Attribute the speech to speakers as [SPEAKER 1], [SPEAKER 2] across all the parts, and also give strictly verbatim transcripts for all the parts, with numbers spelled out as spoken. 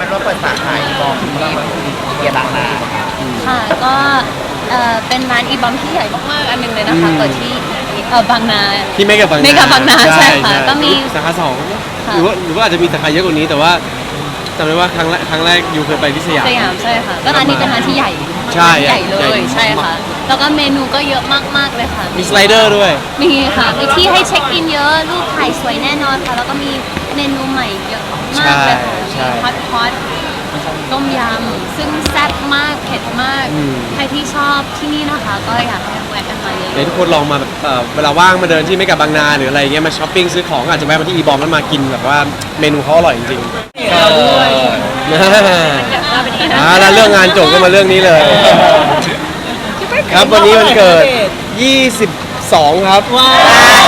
[SPEAKER 1] เป็นว่าเปิดสาขาอีบอมที่เกียร์บางนา
[SPEAKER 2] ค่ะก็เอ่อเป็นร้านอีบอมที่ใหญ่มากๆอันหนึงเลยนะคะเปิดที่เอ่อบางนา
[SPEAKER 3] ที่เมกะบางนา
[SPEAKER 2] เมกะบางนาใช่ค่ะก็มี
[SPEAKER 3] สาขาสองหรือว่าหรือว่าอาจจะมีสาขาเยอะกว่านี้แต่ว่าจำได้ว่าครั้งแรกครั้งแรกยูเคยไปที่สยาม
[SPEAKER 2] สยามใช่ค่ะก็ร้านนี้เป็นร้านที่ใหญ่
[SPEAKER 3] ใช่
[SPEAKER 2] ใหญ่เล
[SPEAKER 3] ใหญ่
[SPEAKER 2] ยใช่ค่ะแล้วก็เมนูก็เยอะมากๆเลยค่ะ
[SPEAKER 3] มีสไลเดอร์ด้วย
[SPEAKER 2] มีค่ะมีที่ให้เช็คอินเยอะรูปถ่ายสวยแน่นอนค่ะแล้วก็มีเมนูใหม่เยอะมากเลยค่ะมีฮอตพอตต้มยำซึ่งแซ่บมากเผ็ดมากใครที่ชอบที่นี่นะคะก็อยากให้แวะกันมาเยอะ
[SPEAKER 3] เดี๋ยวทุกคนลองมาแบบเอ่อเวลาว่างมาเดินที่เมกะบางนาหรืออะไรเงี้ยมาช้อปปิ้งซื้อของอาจจะแวะมาที่อีบอมแล้วมากินแบบว่าเมนูเขาอร่อยจริงๆ
[SPEAKER 1] เราด้วย
[SPEAKER 3] อ่าแล้วเรื่องงานจบก็มาเรื่องนี้เลย ครับวันนี้มันเกิดยี่สิบสองครับ
[SPEAKER 1] ว้าว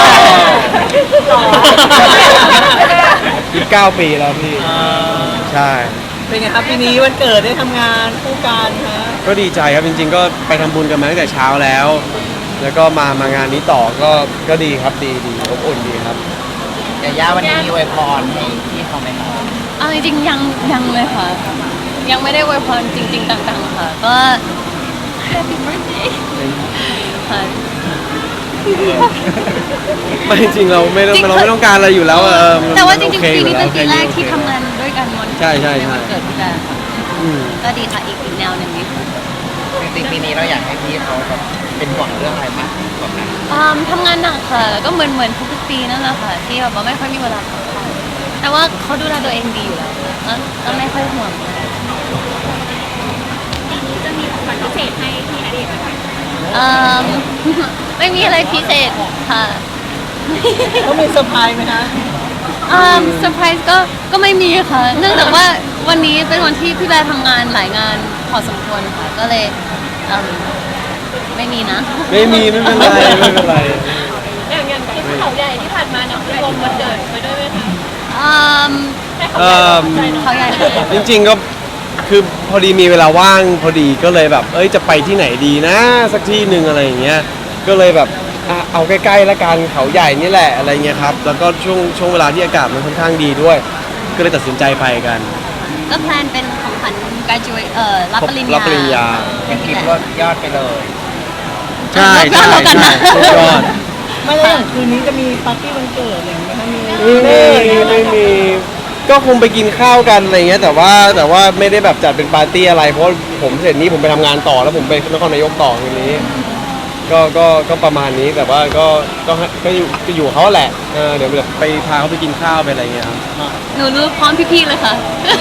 [SPEAKER 3] ยี่สิบเก้าปีแล้วพี่ใช่
[SPEAKER 1] เป็นไงครับปีนี้วันเกิดได้ทำงานคู่กันฮะ
[SPEAKER 3] ก็ดีใจครับจริงๆก็ไปทำบุญกันมาตั้งแต่เช้าแล้ว แล้วก็มามางานนี้ต่อก็ก็ดีครับดีดีอบอุ่นดีครับ
[SPEAKER 1] ยาย่าวันนี้มีอวยพรให้พี่เขาไหมครับ
[SPEAKER 2] เอาจริงๆยังยังเลยค่ะยังไม่ได้อวยพรจริงๆต่างๆค่ะก็ Happy birthday ค่ะ
[SPEAKER 3] ไม่จริงเราไม่ต้องเราไม่ต้องการอะไรอยู่แล้วเออ
[SPEAKER 2] แต่ว่าจริงๆปีนี้เป็นปีแรกที่ทำงานด้วยกันวัน
[SPEAKER 3] ใช่ใช่
[SPEAKER 2] ในวันเกิดพี่แบร์ค่ะก็ดีค่ะอีกอีกแนวหนึ่งนี้
[SPEAKER 1] จริงๆปีนี้เราอยากให้พี่เขาแบบเป็นห่วงเรื่องอะไรมากกว่านั้น
[SPEAKER 2] ทำงานหนักค่ะก็เหมือนเหมือนทุกๆปีนั่นแหละค่ะที่แบบว่าไม่ค่อยมีเวลาพักผ่อนแต่ว่าเขาดูแลตัวเองดีอยู่แล้วก็ไม่ค่อยห่วง
[SPEAKER 4] ปีนี้จะมีของขวัญพิเศษให้พี่ณเดชน์ไหม
[SPEAKER 2] ไม่มีอะไรพิเศษค่ะ
[SPEAKER 1] ต้องมีเซอร์ไพรส์ไหมคะ
[SPEAKER 2] อ่าเซอร์ไพรส์ก็ก็ไม่มีค่ะเนื่องจากว่าวันนี้เป็นวันที่พี่แบร์ทำงานหลายงานพอสมควรค่ะก็เลยไม่มีนะ
[SPEAKER 3] ไม่มีไม่เป็นไรไม่เป็นไร
[SPEAKER 4] อย่างอย่างคลิปเขาใหญ่ที่ผ่านมาเนี่ยรวมวันเกิดไปด้วยไหมคะ
[SPEAKER 2] อ่าเขาใหญ่
[SPEAKER 3] จริงๆก็คือพอดีมีเวลาว่างพอดีก็เลยแบบเอ้ยจะไปที่ไหนดีนะสักที่หนึ่งอะไรอย่างเงี้ยก็เลยแบบเอาใกล้ๆละกันเขาใหญ่นี่แหละอะไรเงี้ยครับแล้วก็ช่วงช่วงเวลาที่อากาศมันค่อนข้างดีด้วยก็เลยตัดสินใจไปกัน
[SPEAKER 2] ก็แพลนเป็นของขวัญ graduate เอ่อรับปริญญา
[SPEAKER 3] รับปริญญา
[SPEAKER 1] ยังคิดว่ายอดไปเลย
[SPEAKER 3] ใช่ใช่ใช่ยอด
[SPEAKER 1] ไม่ได้อย่างคืนนี้จะมีปาร์ตี้วันเกิดอะไรอย่างเงี้ยมี
[SPEAKER 3] ไม่ไม่มีก็คงไปกินข้าวกันอะไรเงี้ยแต่ว่าแต่ว่าไม่ได้แบบจัดเป็นปาร์ตี้อะไรเพราะผมเสร็จนี้ผมไปทำงานต่อแล้วผมไปนครนายกต่อทีนี้ก็ก็ก็ประมาณนี้แต่ว่าก็ก็ก็อยู่ก็อยู่เขาแหละเออเดี๋ยวแบบไปพาเขาไปกินข้าวไปอะไรเงี้ย
[SPEAKER 2] หนูรู้พร้อมพี่ๆเลยค่ะ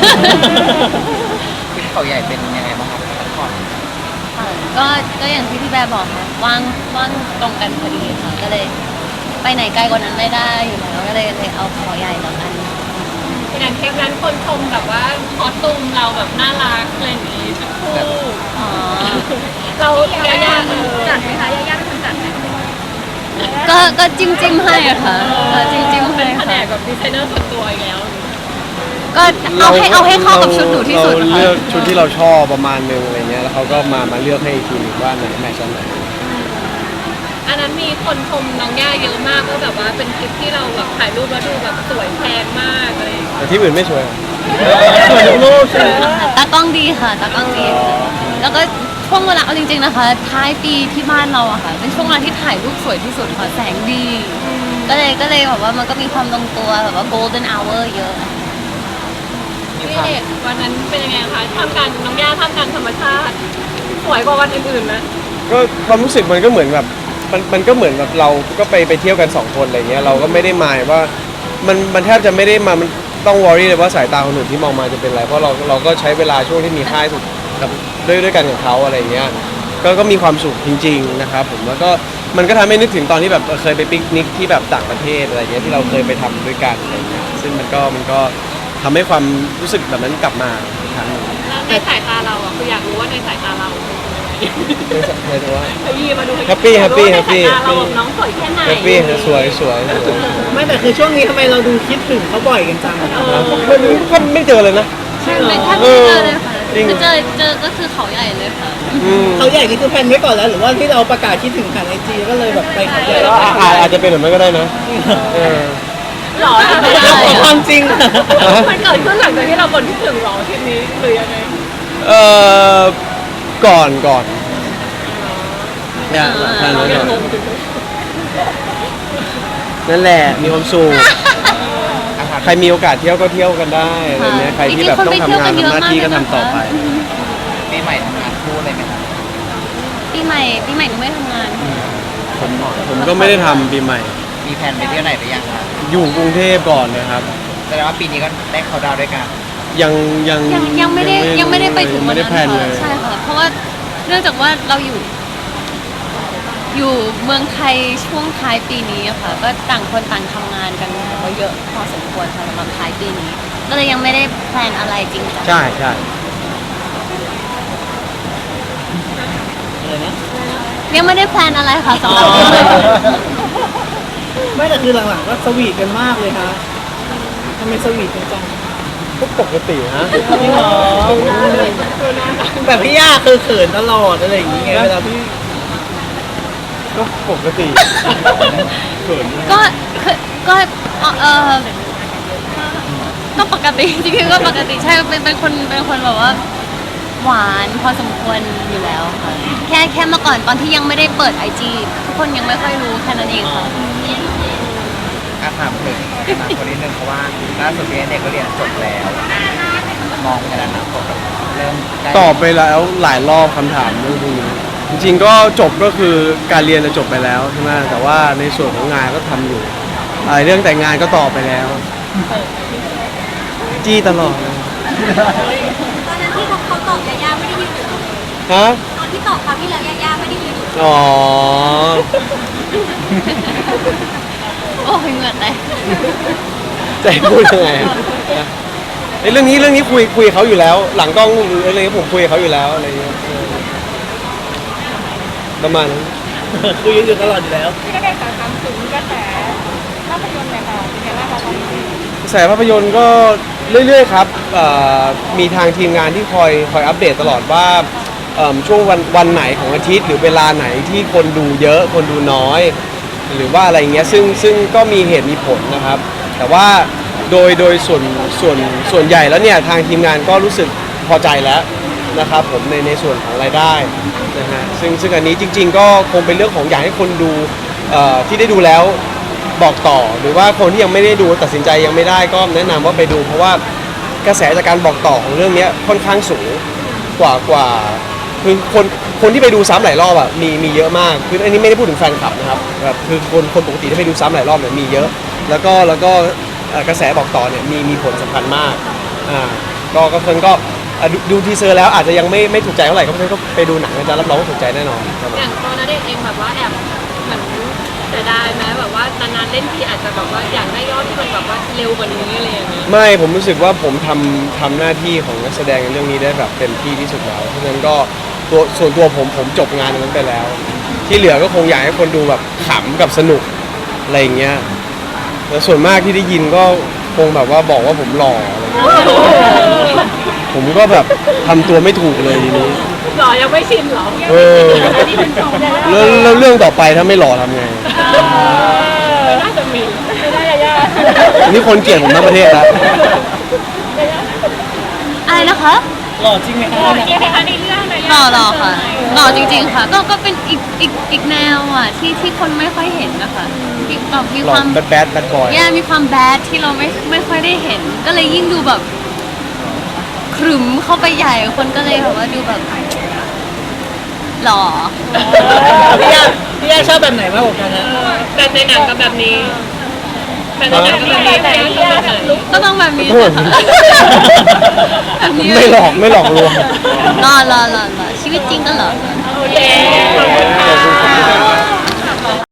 [SPEAKER 1] คลิปเขาใหญ่เป็นยังไงบ้างครับพักผ่อน
[SPEAKER 2] ก็ก็อย่างที่พี่แบร์บอกค่ะว่างว่างตรงกันพอดีค่ะก็เลยไปไหนไกลกว่านั้นไม่ได้อยู่แล้วก็เลยเลยเอาเขาใหญ่แล้วกัน
[SPEAKER 4] อย่างเทปนั้นคนชมแบบว่าคอสตูมเราแบบน่ารักอะไรอย่างนี้ชุดคู่เรายาย่าจัดไหมคะยาย่าเป็นคนจัดไหม
[SPEAKER 2] ก็ก็จิ้มจิ้มให้อะค่ะจิ้มจิ้มให้
[SPEAKER 4] แผนกแบบดีไซเนอร์ส่วนตัวอีกแล้ว
[SPEAKER 2] ก็เอาให้เอาให้เข้ากับชุดหนูที่สุด
[SPEAKER 3] เราเลือกชุดที่เราชอบประมาณนึงอะไรเงี้ยแล้วเขาก็มามาเลือกให้อีกทีนึงว่าไหนแมทช์ไหน
[SPEAKER 4] อันนั้นมีคนชมน้องย่าเยอะมากก็แบบว่าเป็นคลิปที่เราแบบถ่ายรูปแล้วดูแบบสวยแพงมากอะไร
[SPEAKER 3] แต่ที่อื่นไม่สวย
[SPEAKER 1] สวยทุกรูปใช่ไหม
[SPEAKER 2] ตากล้องดีค่ะตากล้องดีแล้วก็ช่วงเวลาเอาจริงๆนะคะท้ายปีที่บ้านเราอะค่ะเป็นช่วงเวลาที่ถ่ายรูปสวยที่สุดค่ะแสงดีก็เลยก็เลยแบบว่ามันก็มีความลงตัวแบบว่า golden hour เยอะ
[SPEAKER 4] พี่เด็กวันนั้นเป็นยังไงคะทำการน้องย่าทำการธรรมชาติสวยกว่าวันอื่นๆนะ
[SPEAKER 3] ก็ความรู้สึกมันก็เหมือนแบบมันมันก็เหมือนแบบเราก็ไปไปเที่ยวกันสองคนอะไรเงี้ยเราก็ไม่ได้หมายว่ามันมันแทบจะไม่ได้มามันต้องวอรี่เลยว่าสายตาคนอื่นที่มองมาจะเป็นอะไรเพราะเราเราก็ใช้เวลาช่วงที่มีค่ายสุดกับด้วยด้วยกันกับเขาอะไรเงี้ยก็ก็มีความสุขจริงๆนะครับผมแล้วก็มันก็ทำให้นึกถึงตอนที่แบบเคยไปปิกนิกที่แบบต่างประเทศอะไรเงี้ยที่เราเคยไปทำด้วยกันอะไรเงี้ยซึ่งมันก็มันก็ทำให้ความรู้สึกแบบนั้นกลับมาอีกครั้งนึง
[SPEAKER 4] ในสายตาเราอ่ะคืออยากรู้ว่าในสายตาเรา
[SPEAKER 3] หมายถึงว่า
[SPEAKER 4] แฮ
[SPEAKER 3] ปปี้แฮปปี้แฮปปี้
[SPEAKER 4] เราน้องสวยแค่ไหน
[SPEAKER 3] แฮปปี้สวยสวย
[SPEAKER 1] ไม่แต่คือช่วงนี้ทำไมเราดูคิดถึงเขาบ่อยกันจัง
[SPEAKER 3] มันก็ไม่เจอเลยนะ
[SPEAKER 2] ใช่ไม่แทบไม่เจอเลยค่ะคือเจอเจอก็คือเขาใหญ่เลยค่ะ
[SPEAKER 1] เขาใหญ่นี่คือแพนไว้ก่อนแล้วหรือว่าที่เราประกาศคิดถึงผ่านไอจีก็เลยแบบไปเขาใหญ่
[SPEAKER 3] อาจจะเป็นแบบนั้นก็ได้นะ
[SPEAKER 2] แ
[SPEAKER 4] หรอ
[SPEAKER 2] ไม่ได้อะ
[SPEAKER 1] ความจริง
[SPEAKER 4] มันเกิดขึ้นหลังจากที่เราบ่นคิดถึงหรอทีนี้หรือยังไง
[SPEAKER 3] เอ่อก่อนก่อนเนี่ยแค่นั้นก่อนนั่นแหละมีความสุขใครมีโอกาสเที่ยวก็เที่ยวกันได้อะไรเงี้ยใครที่แบบต้องทำงานทำหน้าที่ก็ทำต่อไป
[SPEAKER 1] ปีใหม่ทำงานคู่เลยไหมครับ
[SPEAKER 2] ปีใหม่ปีใหม่หนูไม่ทำงาน
[SPEAKER 3] ผมผมก็ไม่ได้ทำปีใหม่
[SPEAKER 1] มีแผนไปเที่ยวไหนหรือยังครับ
[SPEAKER 3] อยู่กรุงเทพก่อนนะครับ
[SPEAKER 1] แสดงว่าปีนี้ก็ได้เขาดาวน์ด้วยกัน
[SPEAKER 3] ยังยัง
[SPEAKER 2] ยังยังไม่ได้ยังไม่ได้ไปถึง
[SPEAKER 3] ยัง
[SPEAKER 2] วั
[SPEAKER 3] ไม่
[SPEAKER 2] น
[SPEAKER 3] ได้
[SPEAKER 2] นั้น
[SPEAKER 3] แพลนเล
[SPEAKER 2] ค่ะ
[SPEAKER 3] ย
[SPEAKER 2] ใช่ค่ะเพราะว่าเนื่องจากว่าเราอยู่ อยู่เมืองไทยช่วงท้ายปีนี้อะค่ะ ก็ต่างคนต่างทำงานกันก็เยอะพอสมควรค่ะสำหรับท้ายปีนี้ ก็เลยยังไม่ได้แพลนอะไรจริงจัง
[SPEAKER 3] ใช่ใช่
[SPEAKER 1] อะไรนะ
[SPEAKER 2] ยังไม่ได้แพลนอะไรค่ะสำหรับ
[SPEAKER 1] อ๋อ
[SPEAKER 2] ปีใหม่
[SPEAKER 5] ไม่แต่คือหลังๆก็สวีทกันมากเลยฮะทำไมสวีทกันจัง
[SPEAKER 3] ก็ปกติฮะ
[SPEAKER 5] จริงเหรอแบบพี่ย่าคือเขินตลอดอะไรอย่างเงี้ยเวลาพี่
[SPEAKER 3] ก็ปกติเขิน
[SPEAKER 2] ก็คือก็เออเออก็ปกติ จริงๆก็ปกติใช่เป็นเป็นคนเป็นคนแบบว่า หวานพอสมควรอยู่แล้วค่ะแค่แค่เมื่อก่อนตอนที่ยังไม่ได้เปิดไอจีทุกคนยังไม่ค่อยรู้แค่นั้นเองค่ะ
[SPEAKER 1] อาถามถึงอนาคตนิดนึงเพราะว่าล่าสุดพี่เด็กก็เรียนจบแล้ว มองในอนาคตเริ่มใกล้
[SPEAKER 3] ตอบไปแล้วหลายรอบคำถามเรื่องพวกนี้จริงๆก็จบก็คือการเรียนจะจบไปแล้วใช่ไหมแต่ว่าในส่วนของงานก็ทำอยู่ไอ้เรื่องแต่งงานก็ตอบไปแล้ว จี้ตลอดเลย
[SPEAKER 6] ตอนนั้นที่เขาตอบยาย่าไม่ได้ยืนอยู่
[SPEAKER 3] ฮะ
[SPEAKER 6] ตอนที่ตอบคราวที่แล้วยาย่าไม่ได้ยืนอยู่
[SPEAKER 3] อ๋อ
[SPEAKER 2] โอ้ยเหงื่อแตก
[SPEAKER 3] จะให้พูดยังไงอะไอ้เรื่องนี้เรื่องนี้คุยคุยกับเขาอยู่แล้ว หลังกล้องหรืออะไรเงี้ยผมคุยกับเขาอยู่แล้วอะไรเงี้ยเออประมาณนั้น
[SPEAKER 5] คุยกันอยู่ตลอดอยู่แล้ว
[SPEAKER 4] พี่ก็ได้สารถามถึงกระแสภาพยนตร์เนี่ยค่ะเป็นไงบ้างคะตอนนี้
[SPEAKER 3] กระแสภาพยนตร์ก็เรื่อยๆครับเอ่อมีทางทีมงานที่คอยคอยอัปเดตตลอดว่าเอิ่มช่วงวันวันไหนของอาทิตย์ หรือเวลาไหนที่คนดูเยอะคนดูน้อย หรือว่าอะไรเงี้ยซึ่งซึ่งก็มีเหตุมีผลนะครับ แต่ว่าโดยโดยส่วนส่วนส่วนใหญ่แล้วเนี่ยทางทีมงานก็รู้สึกพอใจแล้วนะครับผมในในส่วนของรายได้นะฮะซึ่งซึ่งอันนี้จริง ๆ ก็คงเป็นเรื่องของอยากให้คนดูเอ่อที่ได้ดูแล้วบอกต่อ หรือว่าคนที่ยังไม่ได้ดูตัดสินใจยังไม่ได้ก็แนะนำว่าไปดู เพราะว่ากระแสจากการบอกต่อของเรื่องเนี้ยค่อนข้างสูงกว่ากว่าคือคนคนที่ไปดูซ้ำหลายรอบอ่ะมีมีเยอะมากคืออันนี้ไม่ได้พูดถึงแฟนคลับนะครับแบบคือคนคนปกติที่ไปดูซ้ำหลายรอบเนี่ยมีเยอะ แล้วก็แล้วก็เอ่อกระแสบอกต่อเนี่ยมีมีผลสำคัญมากอ่าก็ก็เพิ่นก็อ่ะดูดูทีเซอร์แล้วอาจจะยังไม่ไม่ถูกใจเท่าไหร่ก็เพิ่นก็ไปดูหนังนะจ๊ะรับรองว่าถูกใจแน่นอนครับผม
[SPEAKER 4] อย่างตัวณเดชน์เองแบบว่าแอบเหมือนเสียดายไหมแบบว่านานๆเล่นทีอาจจะแบบว่าอยากได้ยอดที่มันแบบว่าเร็วกว่านี้อะไรอย่างเงี้ย
[SPEAKER 3] ไม่ผมรู้สึกว่าผมทำทำหน้าที่ของนักแสดงในเรื่องนี้ได้แบบเต็มที่ที่สุดแล้วเพราะฉะนั้นก็ตัวส่วนตัวผมผมจบงานตรงนั้นไปแล้ว ที่เหลือก็คงอยากให้คนดูแบบขำกับสนุกอะไรอย่างเงี้ยแล้วส่วนมากที่ได้ยินก็คงแบบว่าบอกว่าผมหล่ออะไรอย่างเงี้ยผมก็แบบทำตัวไม่ถูกเลยทีนี้
[SPEAKER 4] หรอยังไม่ชินหรอ
[SPEAKER 3] เออแล้วแล้วเรื่องต่อไปถ้าไม่หล่อทำไง
[SPEAKER 4] น่าจะมีไม่ได้ยา
[SPEAKER 3] อันนี้คนเกลียดผมทั้งประเทศแล้ว
[SPEAKER 2] อะไรนะคะ
[SPEAKER 5] หล่อจริงไหมคะ
[SPEAKER 4] เกี่ยวกับในเรื่องเลย
[SPEAKER 2] หล่อหล่อค่ะหล่อจริง ๆ ค่ะ ก็ก็เป็นอีกอีกอีกแนวอ่ะที่ที่คนไม่ค่อยเห็นนะคะที่แบบมี
[SPEAKER 3] หล่
[SPEAKER 2] ค
[SPEAKER 3] อ
[SPEAKER 2] วาม
[SPEAKER 3] แบดแบดแบดบอย
[SPEAKER 2] แย่มีความแบดที่เราไม่ไม่ค่อยได้เห็น ก็เลยยิ่งดูแบบขรึมเข้าไปใหญ่คนก็เลยแบบว่าดูแบบหล่อ
[SPEAKER 5] พี่ย่าพี่ย่าชอบแบบไหนมากกว่ากันนะ
[SPEAKER 4] แบบในหนังกับแบบนี้แบบในหนังกับแบบนี้แบบนี้แบบไหน
[SPEAKER 2] ก็ต้องแบบนี้
[SPEAKER 3] โทษ
[SPEAKER 2] นะคะแบบนี้
[SPEAKER 3] ไม่หลอกไม่หลอกลวง
[SPEAKER 2] หล่อหล่อหล่อหล่อชีวิตจริงก็หล่อ
[SPEAKER 4] โอเคขอบคุณ